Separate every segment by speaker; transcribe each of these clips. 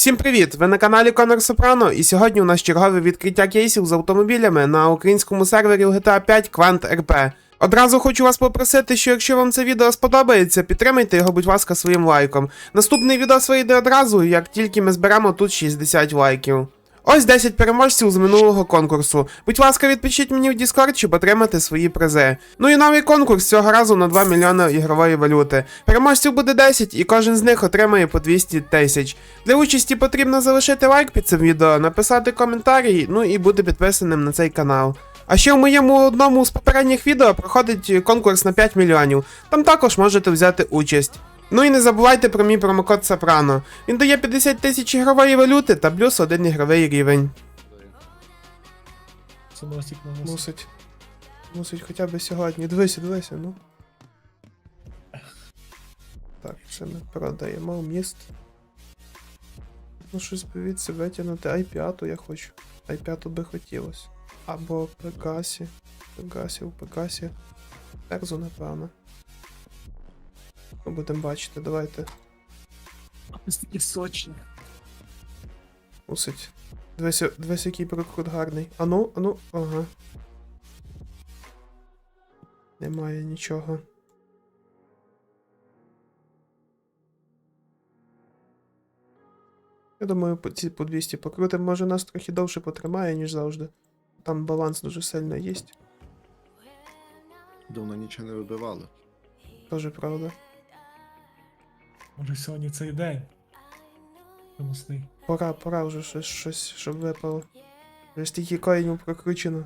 Speaker 1: Всім привіт! Ви на каналі Конор Сопрано, і сьогодні у нас чергове відкриття кейсів з автомобілями на українському сервері GTA 5 Quant RP. Одразу хочу вас попросити, що якщо вам це відео сподобається, підтримайте його, будь ласка, своїм лайком. Наступний відео вийде одразу, як тільки ми зберемо тут 60 лайків. Ось 10 переможців з минулого конкурсу. Будь ласка, відпишіть мені в Discord, щоб отримати свої призи. Ну і новий конкурс цього разу на 2 мільйони ігрової валюти. Переможців буде 10, і кожен з них отримає по 200 тисяч. Для участі потрібно залишити лайк під цим відео, написати коментарі, ну і бути підписаним на цей канал. А ще в моєму одному з попередніх відео проходить конкурс на 5 мільйонів. Там також можете взяти участь. Ну і не забувайте про мій промокод Сопрано. Він дає 50 тисяч ігрової валюти та плюс 1 ігровий рівень.
Speaker 2: Це носик на носик.
Speaker 1: Мусить. Мусить хоча б сьогодні. Дивися, ну. Так, ще ми продаємо міст. Ну щось би від себе тягнути. i5 я хочу. i5 би хотілося. Або Пегасі. В Пегасі. Терзу, напевно. Ми будемо бачити, давайте.
Speaker 2: Ось такі сочні.
Speaker 1: Мусить. Дивись, який прокрут гарний. Ану, ага. Немає нічого. Я думаю, ці по 200 покрутим, може нас трохи довше потримає, ніж завжди. Там баланс дуже сильно є.
Speaker 3: Давно нічого не вибивали.
Speaker 1: Тоже правда.
Speaker 2: Може сьогодні цей день. Помусний.
Speaker 1: Пора вже щось, щоб випало. Вже стільки коїнів прокручено.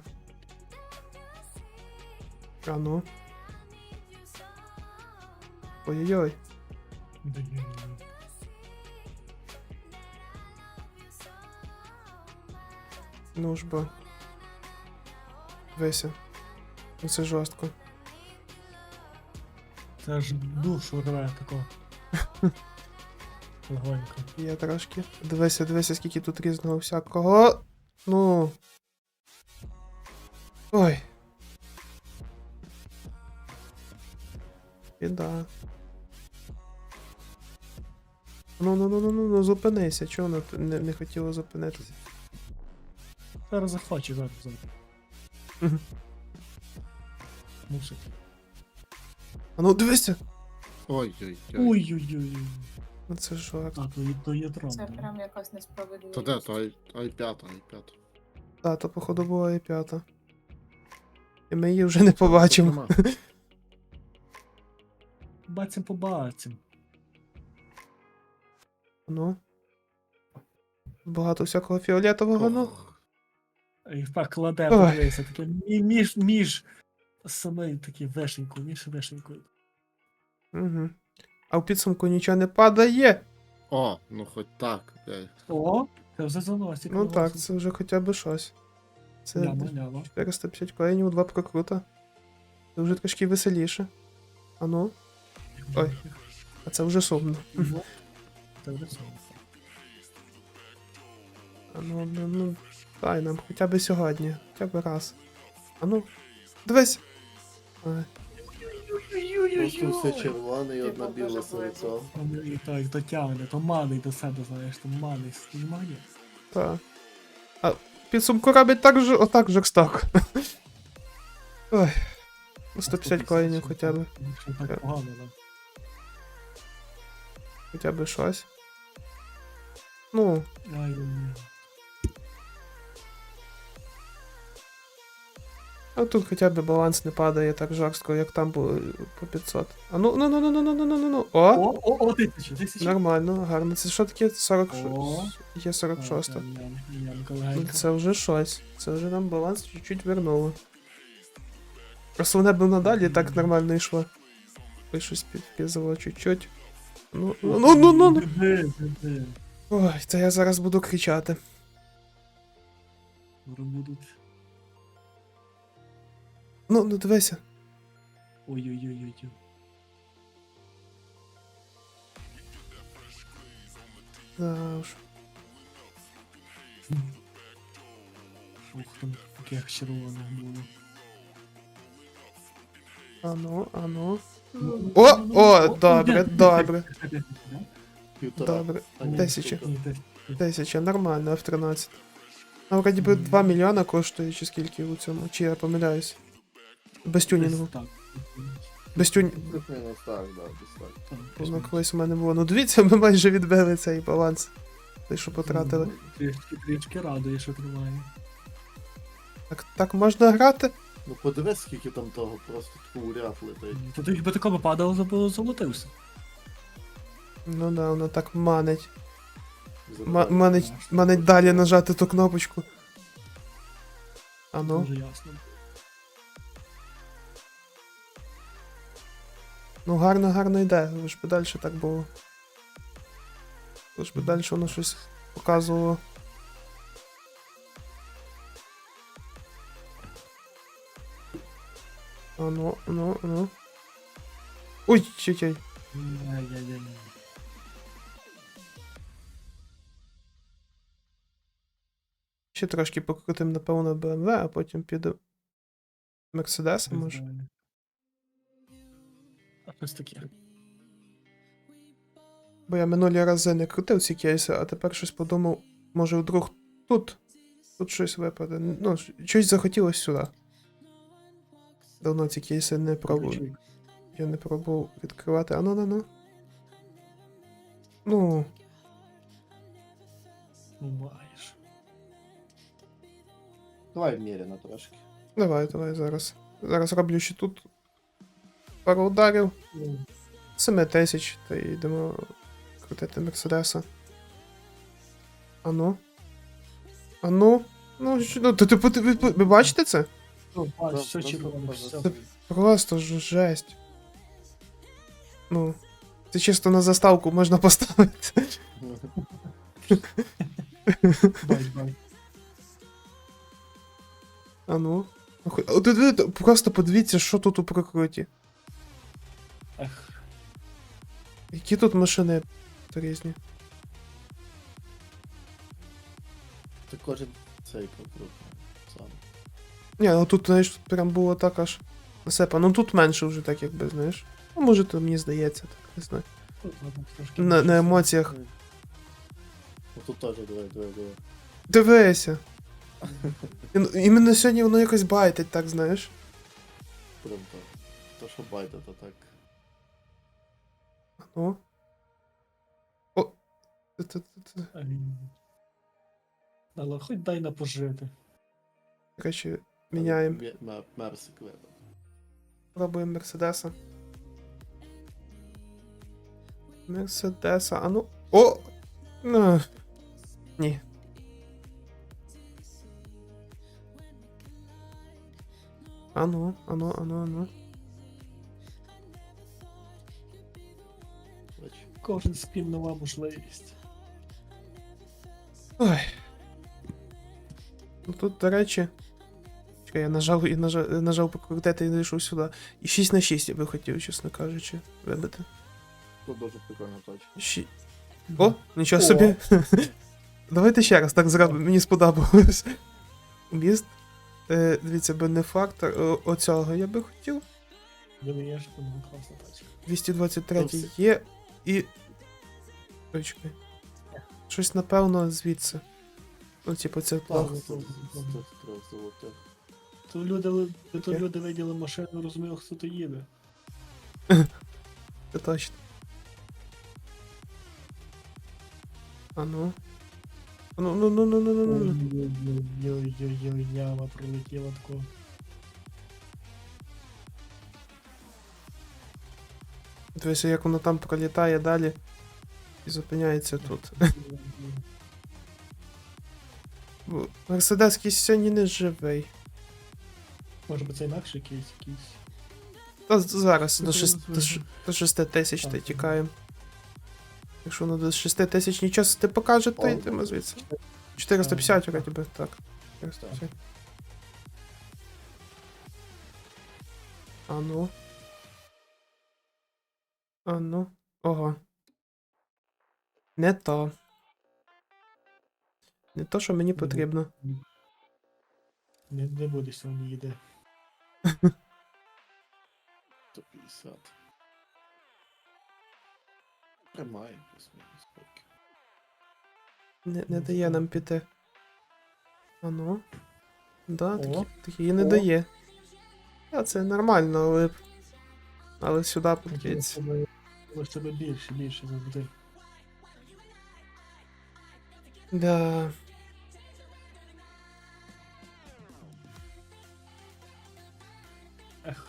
Speaker 1: Ану. Ой-ой-ой. Ну ж бо. Веся. Ну це жорстко.
Speaker 2: Це ж душу рве такого. Легонько.
Speaker 1: Є трошки. Дивися, скільки тут різного всякого. Ну. Ой. Біда. Ну, зупинися. Чого вона не хотіла зупинитися?
Speaker 2: Зараз захоче, зараз.
Speaker 1: Мгм.
Speaker 2: Мусить.
Speaker 1: А ну дивися!
Speaker 3: Ой-ой-ой.
Speaker 2: Ой-ой-ой.
Speaker 1: Ну це жорстко.
Speaker 2: А, то є трон.
Speaker 4: Це
Speaker 2: да.
Speaker 4: прям якась несправедливість.
Speaker 3: То де, то i5.
Speaker 1: Та, то походу була і п'ята. І ми її вже не побачимо.
Speaker 2: Побачим.
Speaker 1: Ну. Багато всякого фіолетового, ну.
Speaker 2: І так кладе,
Speaker 1: Ой.
Speaker 2: подивися, таке між саме такі між вишенькою.
Speaker 1: Угу. А в підсумку нічого не падає.
Speaker 3: О, ну хоч так.
Speaker 2: О, це вже заносик.
Speaker 1: Ну так, це вже хоча б щось. Це
Speaker 2: Ляма.
Speaker 1: 450 коїнів, 2 прокрута. Це вже трошки веселіше. А ну. Ой. А це вже сумно.
Speaker 2: Це вже сумно.
Speaker 1: А ну, дай нам хоча б сьогодні. Хоча б раз. А ну. Дивись. Ой.
Speaker 5: Просто все червоне і одна біла серця.
Speaker 2: І так, дотягне, то маний до себе, знаєш, то маний, знімає.
Speaker 1: Так. А в підсумку робить отак жорстоко. Ой. 150 коїнів хоча б.
Speaker 2: Що так погано, да.
Speaker 1: Хоча б щось. Ну.
Speaker 2: Ай-яй-яй.
Speaker 1: А тут хоча б баланс не падає так жорстко, як там було по 500. А ну. О!
Speaker 2: О, тисяча.
Speaker 1: Нормально, гарно. Це що таке? 40...
Speaker 2: О.
Speaker 1: Є 46.
Speaker 2: Янка
Speaker 1: Ну,
Speaker 2: легенька.
Speaker 1: це вже щось. Це вже нам баланс чуть-чуть вернуло. Просто вона б надалі так нормально йшло. Ой, щось підпізало чуть-чуть. Ну.
Speaker 2: Диви.
Speaker 1: Ой, це я зараз буду кричати.
Speaker 2: Будуть.
Speaker 1: Ну, дивися.
Speaker 2: Ой-ой-ой-ой.
Speaker 1: Да уж.
Speaker 2: Ух, там таких червоних було.
Speaker 1: О, добре.
Speaker 5: Півтора.
Speaker 1: Добре.
Speaker 5: А, ні,
Speaker 1: 1000.
Speaker 5: півтора.
Speaker 2: Ні, десь.
Speaker 1: 1000, нормально, F13. А вроді би 2 мільйона коштує, чи скільки у цьому, чи я помиляюсь. Без тюнінгу.
Speaker 2: Десь так.
Speaker 1: Без тюнінгу.
Speaker 5: Плюс-мінус так, да, десь так.
Speaker 2: Так,
Speaker 1: Воно
Speaker 2: плюс-мінус.
Speaker 1: колись у мене було. Ну дивіться, ми майже відбили цей баланс. Те, що потратили.
Speaker 2: Трішки радує, що тримає.
Speaker 1: Так можна грати?
Speaker 5: Ну подивись, скільки там того, просто таку ряд летить.
Speaker 2: То ти би такому падало, золотився.
Speaker 1: Ну да, воно так манить.
Speaker 5: Забирай.
Speaker 1: Манить далі нажати ту кнопочку. А ну.
Speaker 2: Дуже ясно.
Speaker 1: Ну гарно йде, лиш би далі так було. Лиш би далі воно щось показувало. Ну. Ой, чекай.
Speaker 2: Ай-яй-яй.
Speaker 1: Ще трошки покрутим, напевно, BMW, а потім піду Мерседеса, може.
Speaker 2: А щось таке.
Speaker 1: Бо я минулі рази не крутив ці кейси, а тепер щось подумав, може вдруг тут щось випаде. Ну, щось захотілося сюди. Давно ці кейси не пробував. Я не пробував відкривати. А ну. Ну,
Speaker 2: Ну, маєш.
Speaker 5: Давай вміряно трошки.
Speaker 1: давай зараз. Зараз роблю ще тут пару ударів.
Speaker 2: Ну,
Speaker 1: 7000, та й йдемо крутити Мерседеса. Ну, ви бачите це?
Speaker 2: Ну, бач, все
Speaker 5: Просто-
Speaker 2: червоне,
Speaker 5: просто-
Speaker 2: все.
Speaker 1: Просто ж жесть. Ну, це чисто на заставку можна поставити.
Speaker 2: Бач.
Speaker 1: Просто подивіться, що тут у прокруті.
Speaker 2: Ех,
Speaker 1: Які тут машини різні.
Speaker 5: Це кожен цей покрут. Сам.
Speaker 1: Ні, ну тут, знаєш, тут прям було так аж насипа. Ну тут менше вже так, якби, знаєш. Ну, може, то мені здається, так, не знаю.
Speaker 2: тут ладно, трошки
Speaker 1: На
Speaker 2: більше.
Speaker 1: емоціях.
Speaker 5: Ну тут теж давай.
Speaker 1: Дивися. Іменно сьогодні воно якось байтить, так, знаєш.
Speaker 5: Прям так. То що байда, то так.
Speaker 1: Ну. О. Т-т-т-т.
Speaker 2: Ай. Але хоч дай на пожити.
Speaker 1: Коротше, міняємо.
Speaker 5: Мерсик вибрав.
Speaker 1: Пробуємо Мерседеса. Мерседеса, а ну. О! Ну. Ні. Ану.
Speaker 5: Бач.
Speaker 2: Кожен спін нова можливість.
Speaker 1: Ой. Ну тут, до речі. Чекай, я нажав покрутити і зайшов сюди. І 6х6 я би хотів, чесно кажучи, вибити.
Speaker 5: Тут дуже прикольна точка.
Speaker 1: О, нічого
Speaker 2: О.
Speaker 1: собі. Давайте ще раз так зробимо, мені сподобалось. Міст. Дивіться, бенефактор оцього я би хотів.
Speaker 2: Думаєш, тому класна тачка.
Speaker 1: 223 є і. Ой, чекай. Щось, напевно, звідси. Ну, типу, це плохо.
Speaker 5: Тут трьох золотих.
Speaker 2: То люди виділи машину, розуміли, хто то їде.
Speaker 1: Це точно. Ну. Ну.
Speaker 2: Ой-ой-ой, яма прилетіла тако.
Speaker 1: Дивися, як воно там пролітає далі і зупиняється тут. Мерседес сьогодні не живий.
Speaker 2: Може би це інакше якийсь.
Speaker 1: Та зараз
Speaker 2: Ну,
Speaker 1: до 6 тисяч та
Speaker 2: Так.
Speaker 1: тікаємо. Якщо воно до 6 тисяч нічого не покаже, то
Speaker 5: О,
Speaker 1: йдемо звідси. 450
Speaker 2: так.
Speaker 1: вроді би, так. 450. А ну. Ого. Не то. Не то, що мені потрібно.
Speaker 2: Не буде сьогодні їде.
Speaker 5: 150. Тримає плюс-мінус поки.
Speaker 1: Не дає нам піти. А ну. Да,
Speaker 2: О.
Speaker 1: такі не
Speaker 2: О.
Speaker 1: дає. А це нормально, але сюди подивіться.
Speaker 2: Ось тебе більше завжди.
Speaker 1: Да.
Speaker 2: Ех,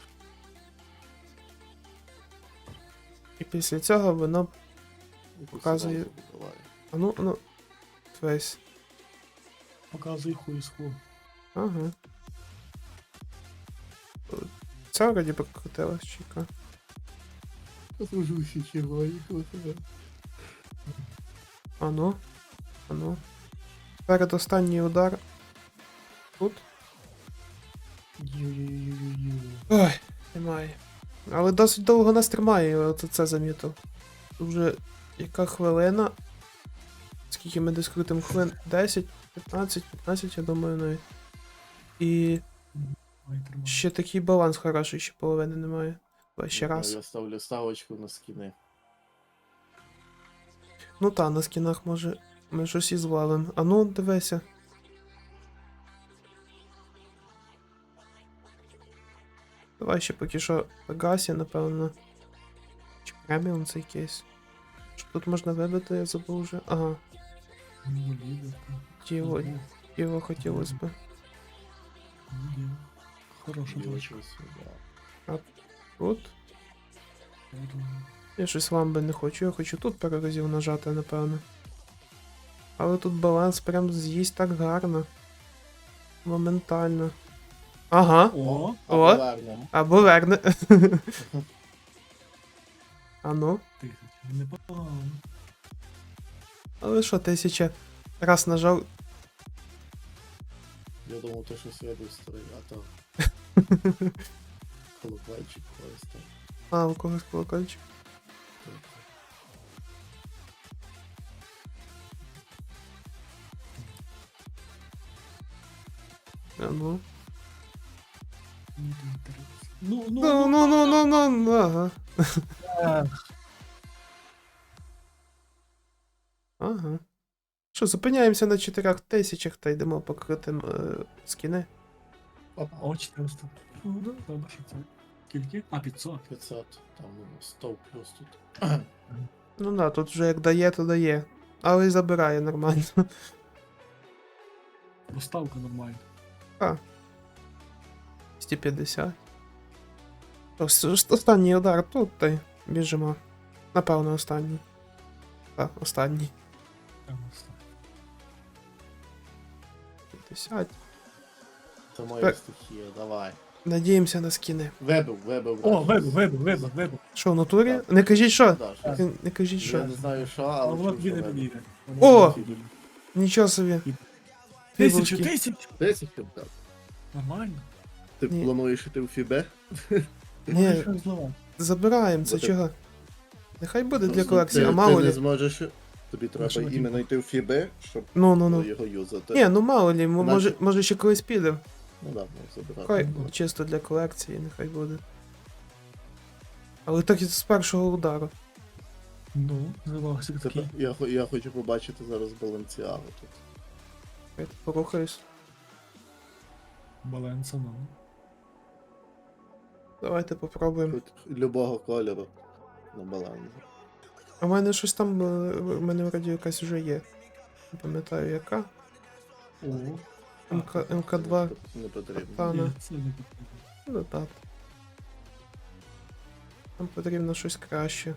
Speaker 1: І після цього воно.
Speaker 5: І
Speaker 1: Показує.
Speaker 5: зразу вибиває.
Speaker 1: А ну. Весь.
Speaker 2: показуй хуй з ху.
Speaker 1: Ага. Це вроді покрутилось, чека.
Speaker 5: Служуся червоні.
Speaker 1: Ану. Передостанній удар. Тут.
Speaker 2: Ю-ю-ю-ю-ю.
Speaker 1: Ой, немає. Але досить довго нас тримає, я от це замітив. Тут вже яка хвилина. Скільки ми десь крутимо хвилин? 10, 15, я думаю, навіть. І
Speaker 2: Ой, тримай.
Speaker 1: ще такий баланс хороший, ще половини немає. Давай ще раз.
Speaker 5: Я ставлю ставочку на скіни.
Speaker 1: Ну та, на скінах може ми щось і звалим. А ну, дивися. Давай ще поки що Пегасі, напевно. Чи преміум цей кейс. Що тут можна вибити, я забув вже. Ага,
Speaker 2: Ну, лідерка.
Speaker 1: тіло, тіло хотілося б.
Speaker 2: Ну, хороша точка.
Speaker 5: Дівчинці, да.
Speaker 1: Тут. Я щось ламби не хочу, я хочу тут пару разів нажати, напевно. Але тут баланс прям з'їсть так гарно. Моментально. Ага.
Speaker 2: О,
Speaker 1: О.
Speaker 5: Повернемо.
Speaker 1: Або верне. А ну.
Speaker 2: 1000. Непогано.
Speaker 1: Але що, 1000 раз нажав.
Speaker 5: Я думав, то щось вибив старий, а то колокольчик когось там.
Speaker 1: А, у когось колокольчик. А ну.
Speaker 2: Ну,
Speaker 1: Ну, ага.
Speaker 2: Ех,
Speaker 1: Ага. Що, зупиняємося на 4000 та йдемо покритим скіни.
Speaker 5: Опа,
Speaker 2: О, 400. Ну, добре, що це. Скільки? А, 500.
Speaker 5: 500, там 100 плюс тут.
Speaker 1: Ну да, тут вже як дає, то дає. Але й забирає нормально.
Speaker 2: Доставка нормальна.
Speaker 1: 250. Останній удар тут та й біжимо. Напевно, останній. Так, останній.
Speaker 2: Там доставка.
Speaker 1: 50.
Speaker 5: Це моя
Speaker 1: Так.
Speaker 5: стихія, давай.
Speaker 1: Надіємося на скіни.
Speaker 5: Вибив.
Speaker 2: О, вибив.
Speaker 1: Що, в натурі?
Speaker 5: Так.
Speaker 1: Не кажіть що?
Speaker 5: Да, щось.
Speaker 1: Не кажіть
Speaker 5: Я
Speaker 1: що.
Speaker 5: не знаю що,
Speaker 2: А
Speaker 5: але
Speaker 2: воно
Speaker 5: чув,
Speaker 2: тобі
Speaker 5: що
Speaker 2: не
Speaker 5: вибив.
Speaker 2: підійде.
Speaker 1: О!
Speaker 2: Воно не
Speaker 1: Нічого собі.
Speaker 2: підійде.
Speaker 1: Фібулки.
Speaker 2: 1000!
Speaker 5: 10 так.
Speaker 2: Нормально.
Speaker 5: Ти
Speaker 1: Ні.
Speaker 5: плануєш іти в Фібе?
Speaker 1: Ні,
Speaker 2: Що знову?
Speaker 1: забираємо, це
Speaker 5: Бо ти-
Speaker 1: чого? Нехай буде для
Speaker 5: Просто
Speaker 1: колекції, а
Speaker 5: ти
Speaker 1: мало
Speaker 5: не
Speaker 1: лі.
Speaker 5: зможеш. Тобі
Speaker 2: що
Speaker 5: треба
Speaker 2: ти-
Speaker 5: іменно йти в Фібе, щоб
Speaker 1: Ну.
Speaker 5: його юзати.
Speaker 1: Ні, ну мало лі,
Speaker 5: Значить-
Speaker 1: може ще колись підемо.
Speaker 5: Ну да, ну забирати.
Speaker 1: Хай чисто для колекції, нехай буде. Але так і з першого удару.
Speaker 2: Ну, завагся
Speaker 5: Це,
Speaker 2: такий.
Speaker 5: я хочу побачити зараз Баленціагу тут.
Speaker 1: Я тут порухаюсь.
Speaker 2: Баланса, ну.
Speaker 1: Давайте попробуємо.
Speaker 5: Тут любого кольору на балансі.
Speaker 1: А в мене щось там, в мене вроді якась вже є. Не пам'ятаю яка.
Speaker 2: О,
Speaker 1: МК2
Speaker 5: Не потрібно.
Speaker 1: Катана.
Speaker 2: ні, це не потрібно.
Speaker 1: Ну так. Нам потрібно щось краще.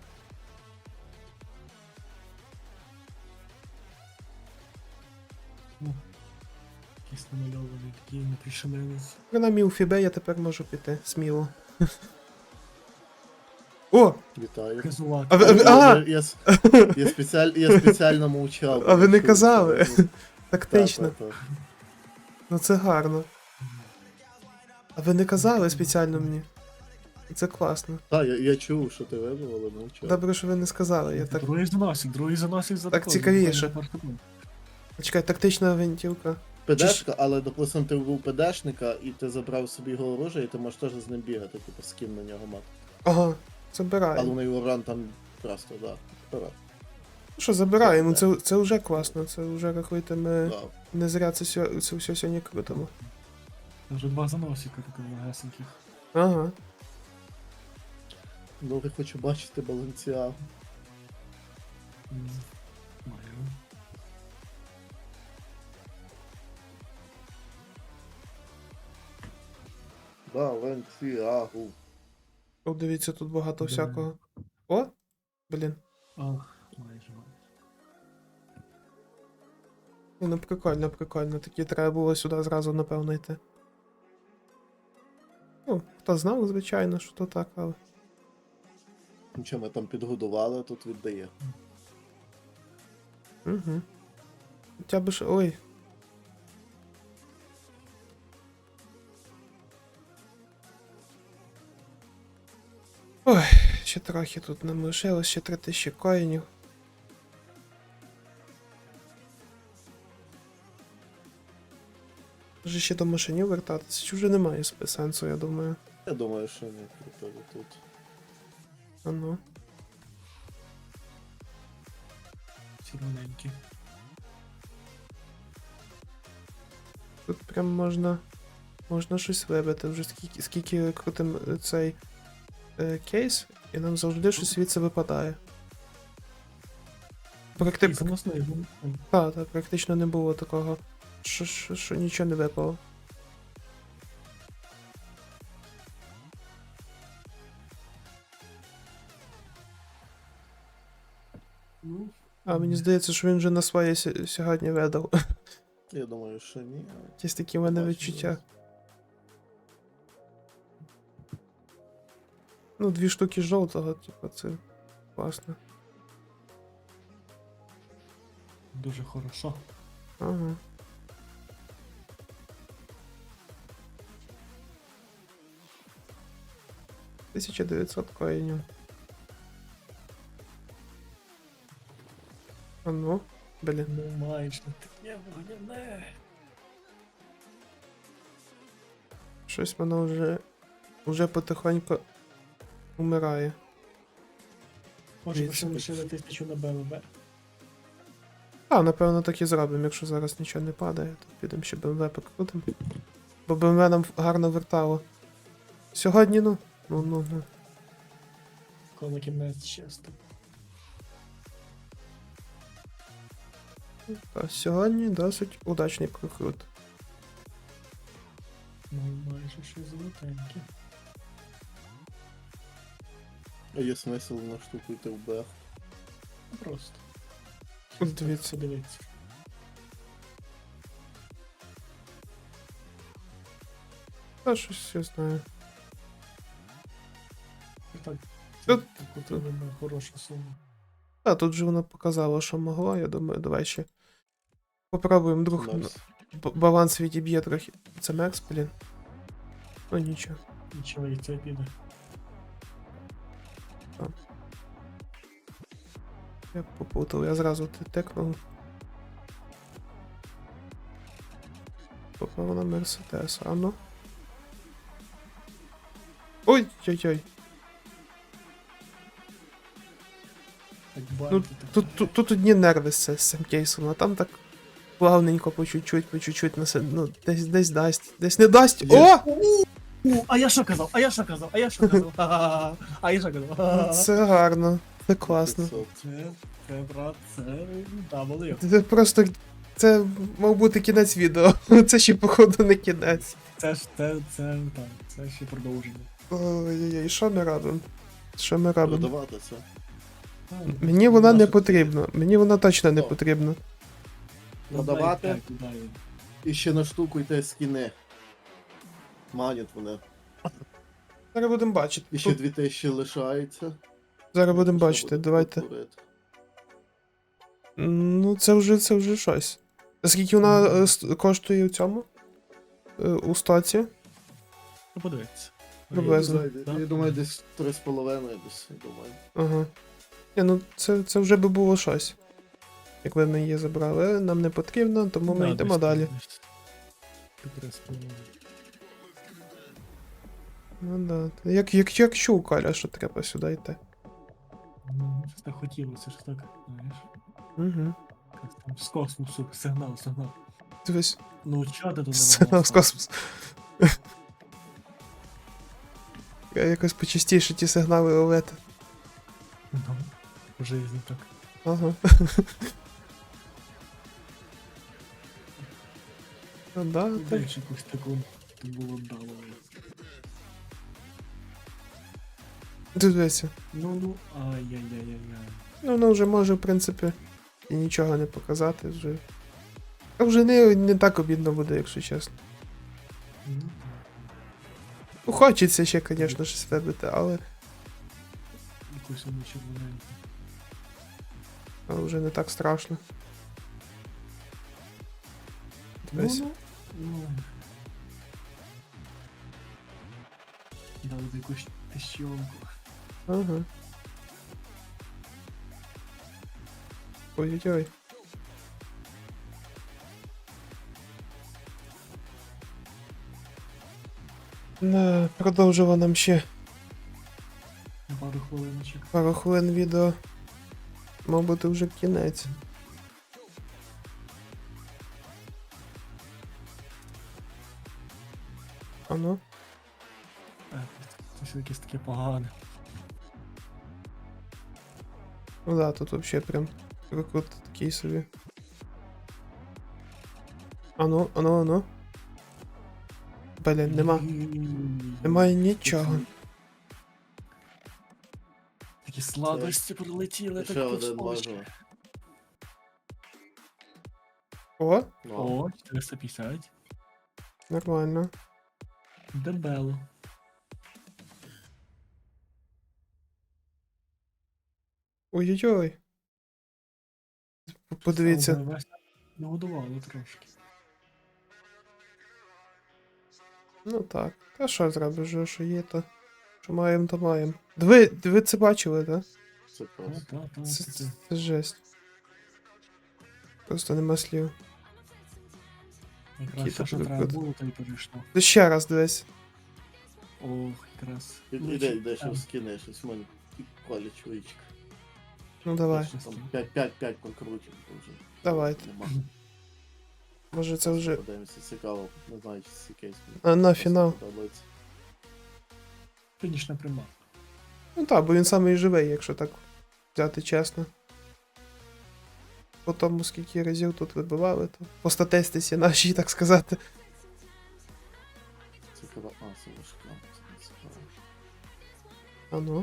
Speaker 2: Якийсь намальований такий непришелець.
Speaker 1: Принаймні у Фібе я тепер можу піти, сміло. О!
Speaker 5: Вітаю.
Speaker 2: Казулак.
Speaker 1: А ви- а!
Speaker 5: Я спеціально мовчав.
Speaker 1: А ви не
Speaker 5: Чув,
Speaker 1: казали?
Speaker 5: що-
Speaker 1: Тактично.
Speaker 5: Та.
Speaker 1: Ну це гарно. А ви не казали спеціально мені? Це класно.
Speaker 5: Та, я чув, що ти вибив, але мовчав.
Speaker 1: Добре, що ви не сказали. Я так.
Speaker 2: Другий заносить за
Speaker 1: Так
Speaker 2: такого,
Speaker 1: цікавіше.
Speaker 2: буквально перший пункт.
Speaker 1: Чекай, тактична гвинтівка.
Speaker 5: ПДшка, але, допустим, ти вбив ПДшника і ти забрав собі його оружие, і ти можеш теж з ним бігати, типу, скін на нього мати.
Speaker 1: Ага,
Speaker 5: Але
Speaker 1: забираю.
Speaker 5: на урон там просто, да. Вперед.
Speaker 1: Ну що, забираємо, це вже класно, це вже, рахуйте, ми
Speaker 5: Да.
Speaker 1: не зря це все сьогодні крутимо.
Speaker 2: Вже 2 заносика таких легесеньких.
Speaker 1: Ага.
Speaker 5: Ну, я хочу бачити Баленціагу.
Speaker 2: Маю.
Speaker 5: Баленціагу.
Speaker 1: О, дивіться, тут багато
Speaker 2: Да.
Speaker 1: всякого. О! Блін.
Speaker 2: Ох, майже.
Speaker 1: Ну, прикольно, прикольно. Такі треба було сюди зразу, напевно, йти. Ну, хто знав, звичайно, що то так, але.
Speaker 5: Нічого, ми там підгодували, а тут віддає.
Speaker 1: Угу. Хоча б ж. Ой. Ой, ще трохи тут нам лишилось, ще 3000 коїнів. Може ще до машинів вертатися, чи вже немає сенсу, я думаю.
Speaker 5: Я думаю, що ні, крутили тут.
Speaker 1: А ну.
Speaker 2: Червоненькі.
Speaker 1: Тут прям можна щось вибити. Вже скільки крутим цей кейс, і нам завжди щось звідси випадає.
Speaker 2: Заносний.
Speaker 1: Так, практично не було такого, що нічого не випало.
Speaker 2: Ну,
Speaker 1: А мені здається, що він вже на своє сьогодні видав.
Speaker 5: Я думаю, що ні.
Speaker 1: Якісь такі в мене
Speaker 5: Бачу,
Speaker 1: відчуття. Ну, 2 штуки жовтого, типу, це класно.
Speaker 2: дуже хорошо.
Speaker 1: Ага. $1900 коїнів. А ну, блін.
Speaker 2: Ну майже таке вогняне.
Speaker 1: Щось воно вже потихоньку умирає.
Speaker 2: Може,
Speaker 1: Дивіться.
Speaker 2: ще лишили 1000 на БМВ.
Speaker 1: А, напевно, так і зробимо, якщо зараз нічого не падає, то підемо ще БМВ покрутимо. Бо БМВ нам гарно вертало. Сьогодні, ну. Ну.
Speaker 2: Коли кінець чисто.
Speaker 1: Та сьогодні досить удачний прокрут.
Speaker 2: Ну майже ще золотенькі.
Speaker 5: А є смисл на штуку йти в БФ.
Speaker 2: Просто.
Speaker 1: От дивіться.
Speaker 2: Подивіться.
Speaker 1: Та щось я знаю.
Speaker 2: Так,
Speaker 1: Тут-
Speaker 2: це на хорошу суму.
Speaker 1: А, тут же воно показало, що могло, я думаю, давай ще. Попробуємо друг.
Speaker 5: Макс.
Speaker 1: Баланс відіб'є трохи. Це Мекс, блін. Ну нічого.
Speaker 2: Нічого, і це піде.
Speaker 1: Я попутав, я зразу тикнув. Попав на Мерседес, а ну. Ой-ой-ой.
Speaker 2: Так
Speaker 1: Ну,
Speaker 2: бачите, так.
Speaker 1: тут одні нерви з цим кейсом, а там так плавненько, по чуть-чуть, ну, десь дасть, десь не дасть.
Speaker 5: Є.
Speaker 1: О!
Speaker 2: А я що казав? А я що казав? Ха-ха-ха. А я що казав? Ха-ха-ха.
Speaker 1: Це гарно, це класно.
Speaker 5: 500.
Speaker 2: Це, брат, це W.
Speaker 1: Це просто. Це мав бути кінець відео. Це ще, походу, не кінець.
Speaker 2: Це це ще продовження.
Speaker 1: Ой-ой-ой, що ми робимо? Що ми робимо?
Speaker 5: Продавати це.
Speaker 1: Мені вона не
Speaker 5: Наша-
Speaker 1: потрібна. Мені вона точно не
Speaker 5: О.
Speaker 1: потрібна.
Speaker 5: Продавати. І ще на штуку йти скіни. Манять вони.
Speaker 1: Зараз будемо бачити.
Speaker 5: І ще 2000 лишається.
Speaker 1: Зараз будемо
Speaker 5: Що
Speaker 1: бачити,
Speaker 5: буде
Speaker 1: давайте.
Speaker 5: творити?
Speaker 1: Ну, це вже щось. Скільки вона коштує у цьому? У стоці?
Speaker 2: Ну, подивіться.
Speaker 1: Приблизно.
Speaker 5: Я думаю, десь 3,5 десь, я думаю.
Speaker 1: Ага. Ні, ну це вже би було щось. Якби ми її забрали, але нам не потрібно, тому ми йдемо далі. Ну да. Як чув, Коля, що треба сюди йти.
Speaker 2: Ну, щось так хотілося, щось так, знаєш.
Speaker 1: Угу.
Speaker 2: Якось там з космосу, сигнал.
Speaker 1: Дивись,
Speaker 2: Ну, чого ти туди
Speaker 1: сигнал з космосу. Я якось почастіше ті сигнали ловити.
Speaker 2: Ну, в житті так.
Speaker 1: Ага. Ну да, так.
Speaker 2: Дай ж якусь таку було вдало.
Speaker 1: Дивися.
Speaker 2: Ну, ай-яй-яй-яй-яй.
Speaker 1: Ну, воно вже може, в принципі, і нічого не показати вже. А вже не так обідно буде, якщо чесно.
Speaker 2: Ну,
Speaker 1: Ну, хочеться ще, звісно, щось вибити, але
Speaker 2: якусь воно червоненьку.
Speaker 1: вже не так страшно. Дивись.
Speaker 2: Ну. Дали б якусь тещонку.
Speaker 1: Ага. Ой-ой-ой. Да, продовжила нам ще
Speaker 2: На пару хвилиночок.
Speaker 1: пару хвилин відео. Мав бути вже кінець. А ну.
Speaker 2: Це все якесь таке погане.
Speaker 1: Ну да, тут вообще прям прикрут такий собі. Ану, ану, ану. Блін, немає нічого.
Speaker 2: Такі сладості прилетіли,
Speaker 5: Ще
Speaker 2: так
Speaker 5: один
Speaker 2: кусочки.
Speaker 5: можна.
Speaker 1: О,
Speaker 5: Ну,
Speaker 2: О, 450.
Speaker 1: нормально.
Speaker 2: Дебело.
Speaker 1: Ой-ой-ой. Подивіться.
Speaker 2: Але Вася нагодувало трошки.
Speaker 1: Ну так. Та що зробиш, вже, що є, то. Що маємо, то маємо. Ви це бачили, так?
Speaker 5: це просто.
Speaker 1: Це жесть. Просто нема слів.
Speaker 2: Якраз
Speaker 1: Кіта
Speaker 2: все, що
Speaker 1: прикрут.
Speaker 2: треба було, то й перейшло.
Speaker 1: Ти ще раз дивись.
Speaker 2: Ох, якраз.
Speaker 5: Іде, що скине, щось в мене колі чоловічка.
Speaker 1: Ну давай.
Speaker 5: Там 5 покрутів вже.
Speaker 1: Давайте.
Speaker 5: Нема.
Speaker 1: Може це вже.
Speaker 5: Подивимося, цікаво. Не знаю, чи це кейс.
Speaker 1: А на фінал.
Speaker 5: Подобається.
Speaker 2: Фінішна пряма.
Speaker 1: Ну так, бо він самий живий, якщо так взяти чесно. По тому, скільки разів тут вибивали, то по статистиці нашій, так сказати.
Speaker 5: Цікаво. А, це важка. Це не цікаво.
Speaker 1: А ну.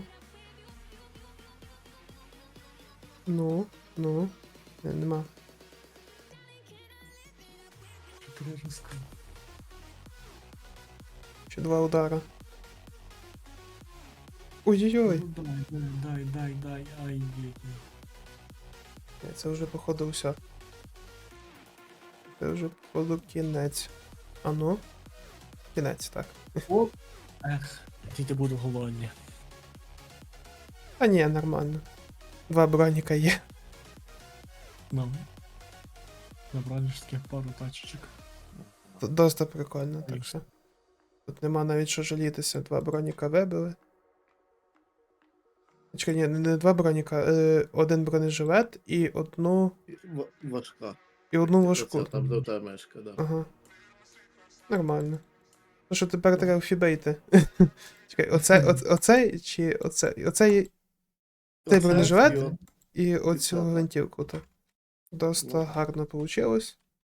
Speaker 1: Ну. Нема.
Speaker 2: 4 разка.
Speaker 1: Ще 2 удара. Ой-ой-ой.
Speaker 2: Ну, дай, ай-яй-яй.
Speaker 1: Це вже походу все. Це вже походу кінець. А ну. Кінець, так.
Speaker 2: Оп. Ех, діти буду голодні.
Speaker 1: А ні, нормально. 2 броніка є.
Speaker 2: Ну. Набрали ж таких пару тачечок.
Speaker 1: Доста прикольно, так що. Тут нема навіть що жалітися. 2 броніка вибили. Чекай, ні, не 2 броніка, 1 бронежилет і одну
Speaker 5: Важка.
Speaker 1: важку.
Speaker 5: Це там до та мешка, да.
Speaker 1: Ага. Нормально. Ну що тепер треба фібейти. Чекай, оцей чи оцей? Оцей
Speaker 5: Оце
Speaker 1: бронежилет?
Speaker 5: його.
Speaker 1: і оцю
Speaker 5: Так.
Speaker 1: гвинтівку. Так. Доста
Speaker 5: Ну.
Speaker 1: гарно вийшло.